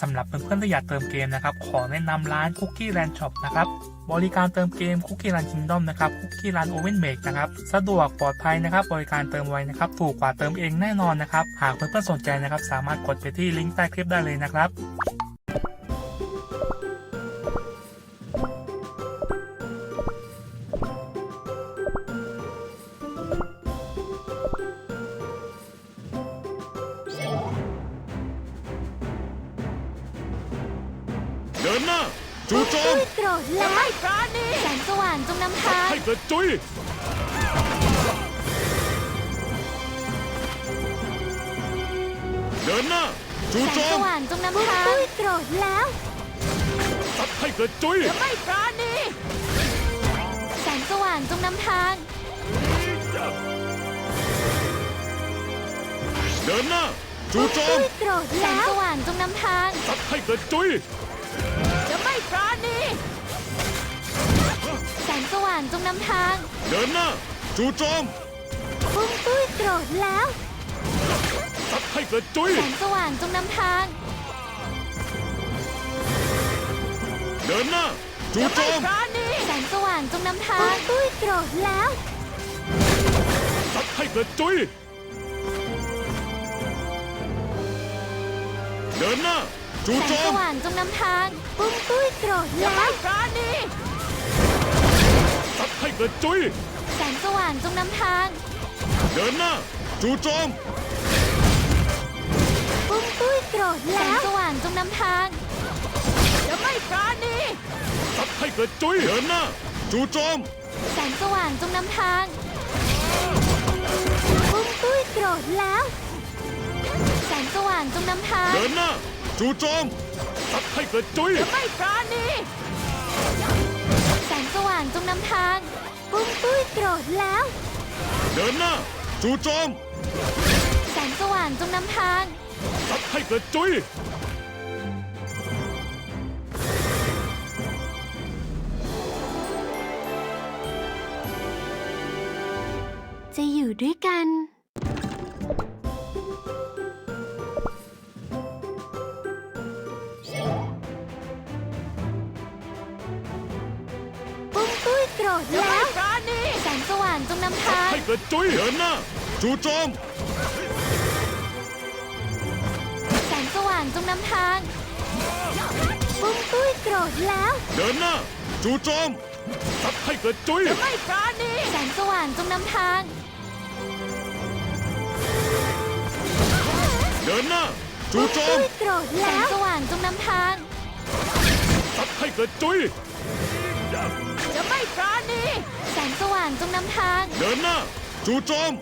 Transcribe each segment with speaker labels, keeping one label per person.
Speaker 1: สำหรับเพื่อนๆที่อยากเติมเกมนะครับขอแนะนำร้าน Cookie Land Shop นะครับบริการเติมเกม Cookie Land Kingdom นะครับ Cookie Land Oven Make นะครับสะดวกปลอดภัยนะครับบริการเติมไวนะครับถูกกว่าเติมเองแน่นอนนะครับหากเพื่อนๆสนใจนะครับสามารถกดไปที่ลิงก์ใต้คลิปได้เลยนะครับ
Speaker 2: เดินหน้าจู่โจม
Speaker 3: โกรธแล้วไม่ปราณีแสงสว่างจงนำทาง
Speaker 2: ให้เกิดจุยเดินหน้าจู่
Speaker 3: แส
Speaker 2: โจ
Speaker 3: งส
Speaker 2: ม
Speaker 3: ว่างจงนำทางโกรธแล้ว
Speaker 2: ซัดให้เกิดจุย
Speaker 3: ไม่ปราณีแสงสว่างจงนำทาง
Speaker 2: เดินหน้าจู่โจม
Speaker 3: โกรธแล้วแสงสว่างจงนำทาง
Speaker 2: ซัดให้เกิดจุย
Speaker 3: จะไม่ปราณีแสงสว่างจงนำทาง
Speaker 2: เดินหน้าจู่โจม
Speaker 3: ปุ้มตุ้ยโกรธแล้ว
Speaker 2: ซัดให้เกิดจุย
Speaker 3: แสงสว่างจงนำทาง
Speaker 2: เดินหน้าจู่โจม
Speaker 3: แสงสว่างจงนำทางปุ้มตุ้ยโกรธแล้ว
Speaker 2: ซัดให้เกิดจุยเดินหน้าจู่
Speaker 3: แส
Speaker 2: โจ
Speaker 3: งส
Speaker 2: ม
Speaker 3: ว่างจงนำทางปุ้มตุ้ยโกรธแล้ว
Speaker 2: ซัดให้เกิดจุย
Speaker 3: แสงสว่างจงนำทาง
Speaker 2: เดินหน้าจู่โจม
Speaker 3: ปุ้มตุ้ยโกรธแล้วแสงสว่างจงนำทางจะไม่ปราณี
Speaker 2: ซัดให้เกิดจุยเดินหน้าจู่โจม
Speaker 3: แสงสว่างจงนำทางปุ้มตุ้ยโกรธแล้วแสงสว่างจงนำทาง
Speaker 2: เดินหน้าจู่โจมซัดให้เกิดจุย
Speaker 3: ไม่ปราณีแสงสว่างจงนำทางปุ้มตุ้ยโกรธแล้ว
Speaker 2: เดินหน้าจู่โจม
Speaker 3: แสงสว่างจงนำทาง
Speaker 2: ซัดให้เกิดจุย
Speaker 3: จะอยู่ด้วยกันปุ้มตุ้ยโกรธแล้วแสงสว่างจงนำทาง
Speaker 2: ให้เกิดจุยเดินหน้าจู่โจม
Speaker 3: แสงสว่างจงนำทางปุ้มตุ้ยโกรธแล้ว
Speaker 2: เดินหน้าจู่โจมซัดให้เกิดจุย
Speaker 3: ไม่ปราณีแสงสว่างจงนำทาง
Speaker 2: เดินหน้าจู่โจม
Speaker 3: โกรธแล้วแสงสว่างจงนำทาง
Speaker 2: ซัดให้เกิดจุย
Speaker 3: จะไม่ปราณีแสงสว่างจงนำทาง
Speaker 2: เดินหน้าจู่โจม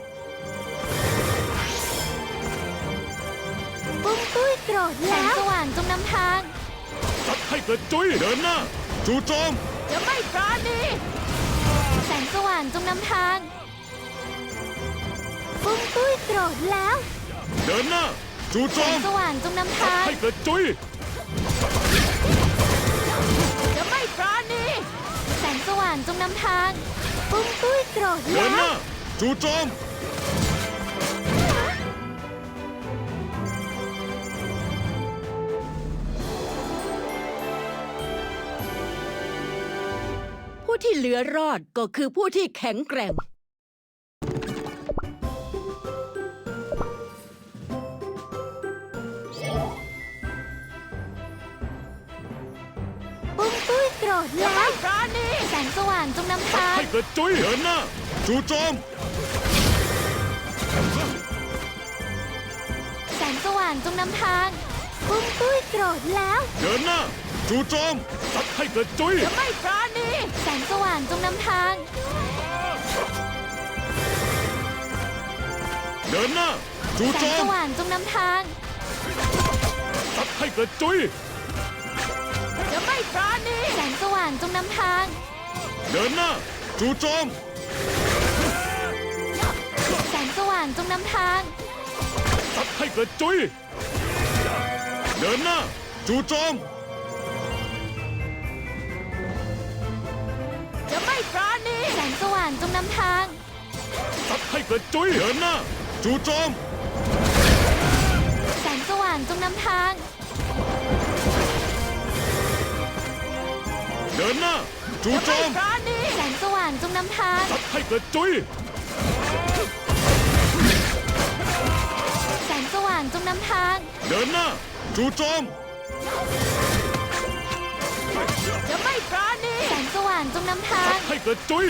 Speaker 3: ปุ้มตุ้ยโกรธแล้วแสงสว่างจงนำทาง
Speaker 2: ซัดให้เกิดจุยเดินหน้าจู่โจม
Speaker 3: จะไม่ปราณีแสงสว่างจงนำทางปุ้มตุ้ยโกรธแล้ว
Speaker 2: เดินหน้าจู่โจ
Speaker 3: แสง
Speaker 2: ม
Speaker 3: สว่างจงนำ
Speaker 2: ซัด
Speaker 3: ทาง
Speaker 2: ให้เกิดจุย
Speaker 3: จะไม่ปราณีแสงสว่างจงนำทางปุ้มตุ้ยโกรธ
Speaker 2: เดิ
Speaker 3: แล้
Speaker 2: น
Speaker 3: ว
Speaker 2: หน้าจู่โจม
Speaker 4: ผู้ที่เหลือรอดก็คือผู้ที่แข็งแกร่ง
Speaker 3: ปุ้มตุ้ยโกรธแล้วแสงสว่างจงนำ
Speaker 2: ซัด
Speaker 3: ทาง
Speaker 2: ให้เกิดจุยเดินหน้าจู่โจม
Speaker 3: แสงสว่างจงนำทางปุ้มตุ้ยโกรธแล้ว
Speaker 2: เดินหน้าจู่โจมซัดให้เกิดจุย
Speaker 3: ไม่ปราณีแสงสว่างจงนำทาง
Speaker 2: เดินหน้าจู่
Speaker 3: แส
Speaker 2: โจ
Speaker 3: งส
Speaker 2: ม
Speaker 3: ว่างจงนำทาง
Speaker 2: ซัดให้เกิดจุย
Speaker 3: จะไม่ปราณีแสงสว่างจงนำทาง
Speaker 2: เดินหน้าจู่โจม
Speaker 3: แสงสว่างจงนำทาง
Speaker 2: ซัดให้เกิดจุยเดินหน้าจู่โจม
Speaker 3: จะไม่ปราณีแสงสว่างจงนำทาง
Speaker 2: ซัดให้เกิดจุยเดินหน้าจู่โจม
Speaker 3: แสงสว่างจงนำทาง
Speaker 2: เดินหน้าจู่โจม
Speaker 4: ปราณี
Speaker 3: แสงสว่างจงนำทาง
Speaker 2: ซัดให้กระจุย
Speaker 3: แสงสว่างจงนำทาง
Speaker 2: เดินหน้าจู่โจม
Speaker 4: จะไม่ปราณี
Speaker 3: แสงสว่างจงนำทาง
Speaker 2: ให้กระจุย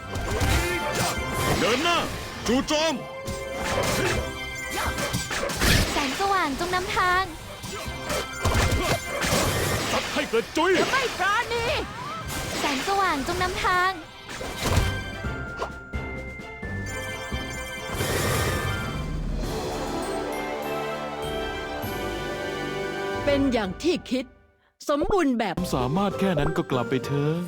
Speaker 2: เดินหน้าจู่โจม
Speaker 3: แสงสว่างจงนำทาง
Speaker 2: ซัดให้กระจุย
Speaker 4: ไม่ปราณี
Speaker 3: แสงสว่างจงนำทาง
Speaker 4: เป็นอย่างที่คิด สมบูรณ์แบบ
Speaker 5: สามารถแค่นั้นก็กลับไปเถอะ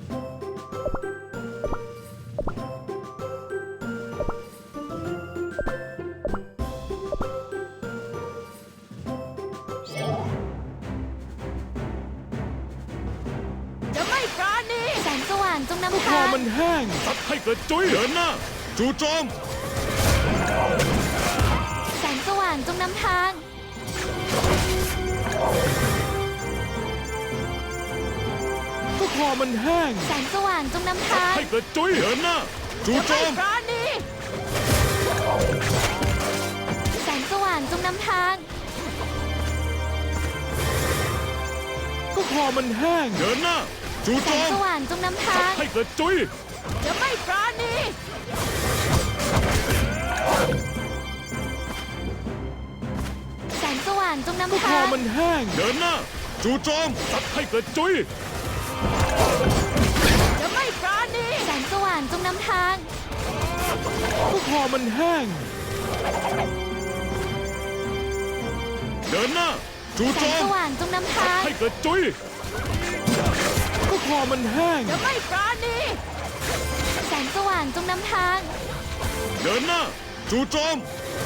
Speaker 4: จะไม่ปราณี
Speaker 3: แสงสว่างจงนำ
Speaker 5: คอ
Speaker 3: ทาง
Speaker 5: มันแห้ง
Speaker 2: ซัดให้กระจุย เดินหน้าจู่โจม
Speaker 3: แสงสว่างจงนำทาง
Speaker 5: ก็คอมันแห้ง
Speaker 3: แสงสว่างจงนำทาง
Speaker 2: ให้กระจุย เดินหน้าจู่โจ
Speaker 4: ไม่
Speaker 2: ม
Speaker 4: ปราณี
Speaker 3: แสงสว่างจงนำทาง
Speaker 5: ก็คอมันแห้ง
Speaker 2: เดินหน้าจู่
Speaker 3: แส
Speaker 2: โจ
Speaker 3: ง
Speaker 2: ม
Speaker 3: สว่างจงนำทาง
Speaker 2: ให้กระจุย
Speaker 4: จะไม่ปราณี
Speaker 3: แสงสว่างจง
Speaker 5: ก็
Speaker 3: นำ
Speaker 5: คอ
Speaker 3: ทาง
Speaker 5: มันแห้ง
Speaker 2: เดินหน้าจู่โจมซัดให้กระจุย
Speaker 4: จะไม่ปราณี
Speaker 3: แสงสว่างจงนำทาง
Speaker 5: ก็คอมันแห้ง
Speaker 2: เดินหน้าจู่
Speaker 3: แส
Speaker 2: โจ
Speaker 3: ง
Speaker 2: ม
Speaker 3: สว่างจงนำทาง
Speaker 2: ให้กระจุย
Speaker 5: ก็คอมันแห้ง
Speaker 4: จะไม่ปราณี
Speaker 3: แสงสว่างจงนำทาง
Speaker 2: เดินหน้าจู่โจม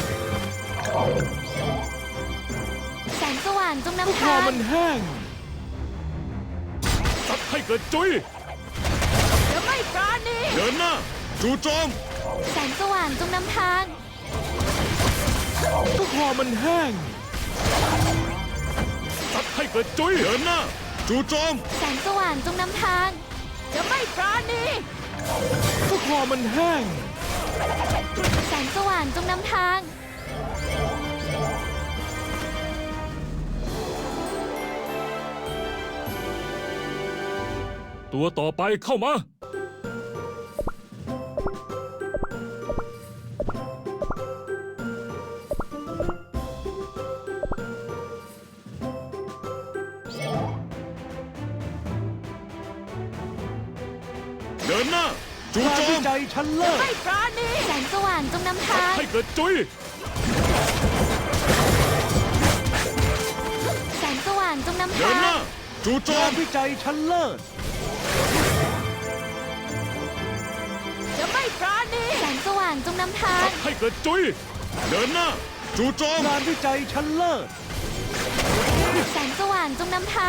Speaker 3: แสงสว่างจง
Speaker 5: ก็
Speaker 3: นำ
Speaker 5: คอ
Speaker 3: ทาง
Speaker 5: มันแห้ง
Speaker 2: ซัดให้กระจุย
Speaker 4: จะไม่ปราณี
Speaker 2: เดินหน้าจู่โจม
Speaker 3: แสงสว่างจงนำทาง
Speaker 5: ก็คอมันแห้ง
Speaker 2: ซัดให้กระจุย เดินหน้าจู่โจม
Speaker 3: แสงสว่างจงนำทาง
Speaker 4: จะไม่ปราณี
Speaker 5: ก็คอมันแห้ง
Speaker 3: แสงสว่างจงนำทาง
Speaker 2: ตัวต่อไปเข้ามา เดินหน้าจู่โจ
Speaker 5: การวิ
Speaker 2: ม
Speaker 5: จัยชั้นเลิศ
Speaker 4: ไม่ปราณี
Speaker 3: แสงสว่างจงนำทาง
Speaker 2: ให้กระจุย
Speaker 3: แสงสว่างจงนำ
Speaker 2: เดิ
Speaker 3: ทาน
Speaker 2: หน้าง จู่โจ
Speaker 5: กาม รวิจัยชั้นเลิศ
Speaker 4: จะไม่ปราณี
Speaker 3: แสงสว่างจงนำทาง
Speaker 2: ให้กระจุย เดินหน้าจู่โจม
Speaker 5: งานวิจัยชั้นเลิศ
Speaker 3: แสงสว่างจงนำทาง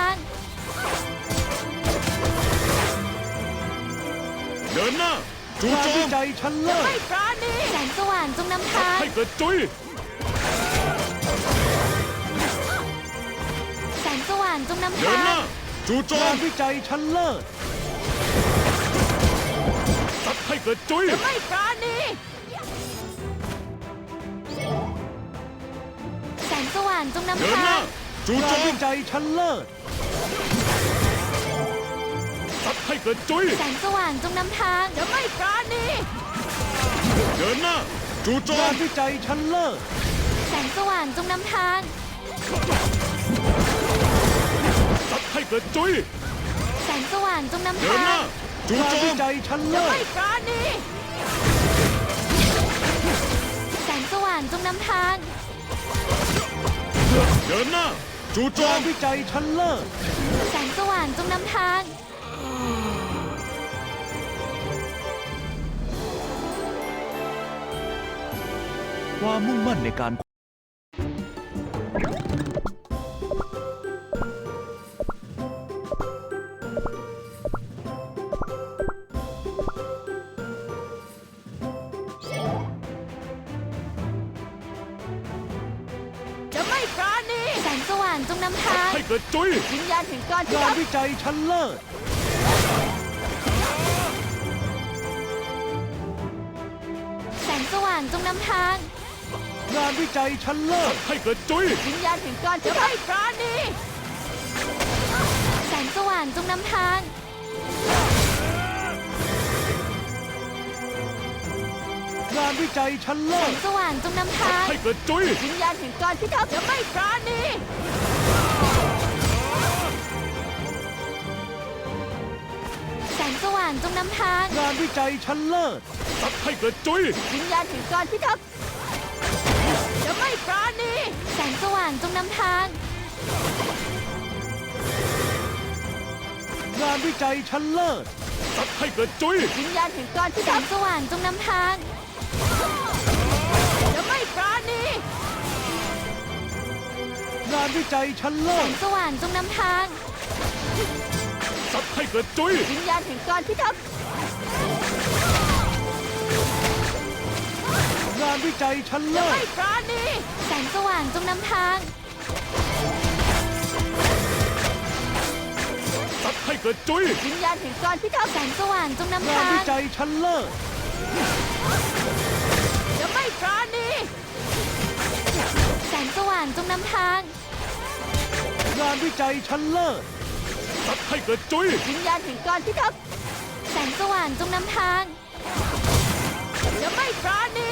Speaker 2: เดินหน้าจู่
Speaker 5: งาน
Speaker 2: โจ
Speaker 5: วิ
Speaker 2: ม
Speaker 5: จัยชั้นเลิศ
Speaker 4: ไม่ปราณี
Speaker 3: แสงสว่างจงนำทาง
Speaker 2: ให้กระจุย
Speaker 3: แสงสว่างจงนำ
Speaker 2: เดิ
Speaker 3: ทาน
Speaker 2: หน้าง จู่โจ
Speaker 5: งาม นวิจัยชั้นเลิศ
Speaker 2: ซัดให้กระจุย
Speaker 4: จะไม่ปราณี
Speaker 3: แสงสว่างจงนำ
Speaker 2: เดิน
Speaker 3: ทา
Speaker 2: หน้าง จู่โจ
Speaker 5: งาน
Speaker 2: ม
Speaker 5: วิจัยชั้นเลิศ
Speaker 2: ซัดให้กระจุย
Speaker 3: แสงสว่างจงนำทาง
Speaker 4: จะไม่ปราณี
Speaker 2: เดินหน้าจู่โจ
Speaker 5: งาม นวิจัยชั้นเลิศ
Speaker 3: แสงสว่างจงนำทาง
Speaker 2: ซัดให้กระจุย
Speaker 3: แสงสว่างจงนำ
Speaker 2: เดิน
Speaker 3: ทา
Speaker 2: หน้าง จู่
Speaker 5: งาน
Speaker 2: โจ
Speaker 5: วิ
Speaker 2: ม
Speaker 5: จัยชั้น
Speaker 4: จะ
Speaker 5: เลิศ
Speaker 4: ไม่ปราณี
Speaker 3: แสงสว่างจงนำทาง
Speaker 2: เดินหน้าจู่โจ
Speaker 5: งาน
Speaker 2: ม
Speaker 5: วิจัยชั้นเลิศ
Speaker 3: แสงสว่างจงนำทาง
Speaker 5: ความมุ่งมั่นในการ
Speaker 4: จะไม่ปราณี
Speaker 3: แสงสว่างจงนำทาง
Speaker 2: ให้กระจุย
Speaker 4: วิญญาณแห่งการพิ
Speaker 5: งาน
Speaker 4: ทักษ์
Speaker 5: วิจัยชั้นเลิศ
Speaker 3: งสว่างจงนำทาง
Speaker 5: งานวิจัยชั้นเลิศ
Speaker 2: ให้กระจุย
Speaker 4: วิญญาณแห่งการจะไม่ปราณี
Speaker 3: แสงสว่างจงนำทาง
Speaker 5: งานวิจัยชั้น
Speaker 3: แส
Speaker 5: เลิศ
Speaker 3: งสว่างจงนำทาง
Speaker 2: ให้กระจุย
Speaker 4: วิญญาณแห่งการพิทักษ์จะไม่ปราณี
Speaker 3: แสงสว่างจงนำทาง
Speaker 5: งานวิจัยชั้นเลิศ
Speaker 2: ซัดให้กระจุย
Speaker 4: วิญญาณแห่งการพิทักษ์จะไม่ปราณี
Speaker 3: แสงสว่างจงนำทาง
Speaker 5: งานวิจัยชั้นเลิศ
Speaker 2: ซัดให้กระจุย
Speaker 4: วิญญาณแห่งการพิ
Speaker 3: แส
Speaker 4: ทั
Speaker 3: ง
Speaker 4: กษ์
Speaker 3: สว่างจงนำทาง
Speaker 4: จะไม่ปราณี
Speaker 5: งานวิจัยชั้น
Speaker 3: แส
Speaker 5: เลิศ
Speaker 3: งสว่างจงนำทาง
Speaker 2: ซัดให้กระจุย
Speaker 4: วิญญาณแห่งการพิทักษ์
Speaker 5: งานวิจัยชั้น
Speaker 4: จะ
Speaker 5: เลิ
Speaker 4: ไม่
Speaker 5: ศ
Speaker 4: ปราณี
Speaker 3: แสงสว่างจงนำทาง
Speaker 2: ซัดให้กระจุย
Speaker 4: วิญญาณแห่งการพิทักษ์
Speaker 3: แสงสว่างจงนำ
Speaker 5: งาน
Speaker 3: ทาง
Speaker 5: วิจัยชั้นเลิศ
Speaker 4: จะไม่ปราณี
Speaker 3: แสงสว่างจงนำทาง
Speaker 5: งานวิจัยชั้นเลิศ
Speaker 2: ซัดให้กระจุย
Speaker 4: วิญญาณแห่งการพิทักษ์
Speaker 3: แสงสว่างจงนำทาง
Speaker 4: จะไม่ปราณี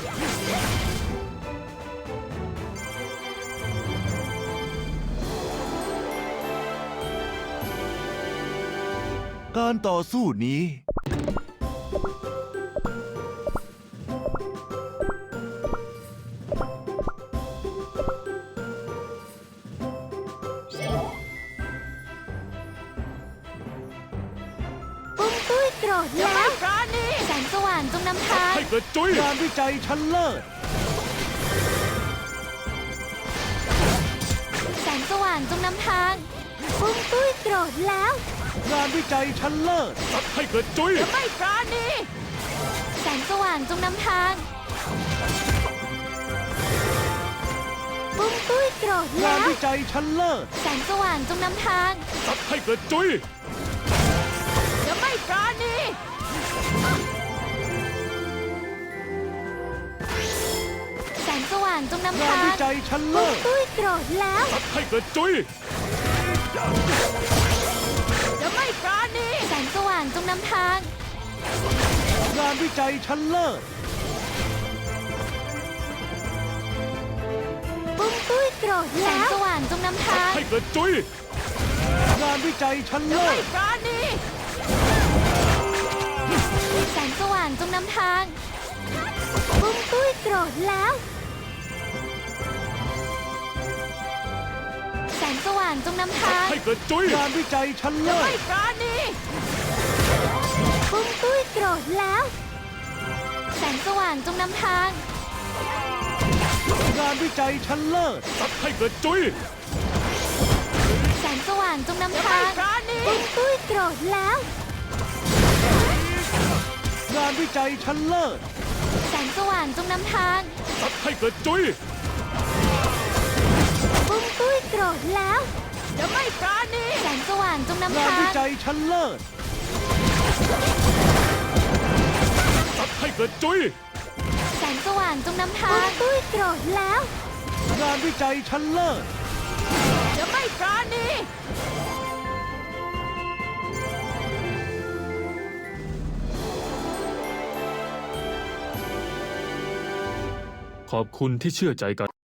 Speaker 5: การต่อสู้นี้
Speaker 3: ปุ้มตุ้ยโกรธ
Speaker 4: จะ
Speaker 3: แล้
Speaker 4: ไม่
Speaker 3: ว
Speaker 4: ปราณี
Speaker 3: แสงสว่างจงนำทาง
Speaker 2: ให้กระจุย
Speaker 5: งานวิจัยชั้นเลิศ
Speaker 3: แสงสว่างจงนำทาง ปุ้มตุ้ยโกรธแล้ว
Speaker 5: งานวิจัยชั้นเลิศ
Speaker 2: ซัดให้กระจุย
Speaker 4: จะไม่ปราณี
Speaker 3: แสงสว่างจงนำทาง ปุ้มตุ้ยโกรธ
Speaker 5: งา
Speaker 3: แล้
Speaker 5: น
Speaker 3: ว
Speaker 5: วิจัยชั้นเลิศ
Speaker 3: แสงสว่างจงนำทาง
Speaker 2: ซัดให้กระจุย
Speaker 4: จะไม่ปราณี
Speaker 3: แสงสว่างจงนำ
Speaker 5: งาน
Speaker 3: ทาง
Speaker 5: วิจัยชั้น
Speaker 3: ปุ้
Speaker 5: เลิ
Speaker 3: ม
Speaker 5: ศ
Speaker 3: ตุ้ยโกรธแล้ว
Speaker 2: ซัดให้กระจุย
Speaker 4: จะไม่ปราณี
Speaker 3: แสงสว่างจงนำทาง
Speaker 5: งานวิจัยชั้นเลิศ
Speaker 3: ปุ้มตุ้ยโกรธแล้ว แสงสว่างจงนำ
Speaker 2: ซัด
Speaker 3: ทาง
Speaker 2: ให้กระจุย
Speaker 5: งานวิจัยชั้น
Speaker 4: จะ
Speaker 5: เลิ
Speaker 4: ไม่
Speaker 5: ศ
Speaker 4: ปราณี
Speaker 3: แสงสว่างจงนำทาง ปุ้มตุ้ยโกรธแล้ว แสงสว่างจงนำ
Speaker 2: ซัด
Speaker 3: ทาง
Speaker 2: ให้กระจุย
Speaker 5: งานวิจัยชั้น
Speaker 4: จะ
Speaker 5: เลิ
Speaker 4: ไม่
Speaker 5: ศ
Speaker 4: ปราณี
Speaker 3: ปุ้มตุ้ยโกรธแล้ว แสงสว่างจงนำทาง
Speaker 5: งานวิจัยชั้นเลิศ
Speaker 2: ซัดให้กระจุย
Speaker 3: แสงสว่างจงนำ
Speaker 4: จะ
Speaker 3: ทา
Speaker 4: ไม่
Speaker 3: ง
Speaker 4: ปราณี
Speaker 3: ปุ้มตุ้ยโกรธแล้ว
Speaker 5: งานวิจัยชั้นเลิศ
Speaker 3: แสงสว่างจงนำทาง
Speaker 2: ซัดให้กระจุย
Speaker 3: ปุ้มตุ้ยโกรธแล้ว
Speaker 4: จะไม่ปราณี
Speaker 3: แสงสว่างจงนำ
Speaker 5: งาน
Speaker 3: ทาง
Speaker 5: วิจัยชั้นเลิศ
Speaker 2: ซัดให้กระจุย
Speaker 3: แสงสว่างจงนำทาง ปุ้มตุ้ยโกรธแล้ว
Speaker 5: งานวิจัยชั้นเลิศ
Speaker 4: จะไม่ปราณี
Speaker 2: ขอบคุณที่เชื่อใจกัน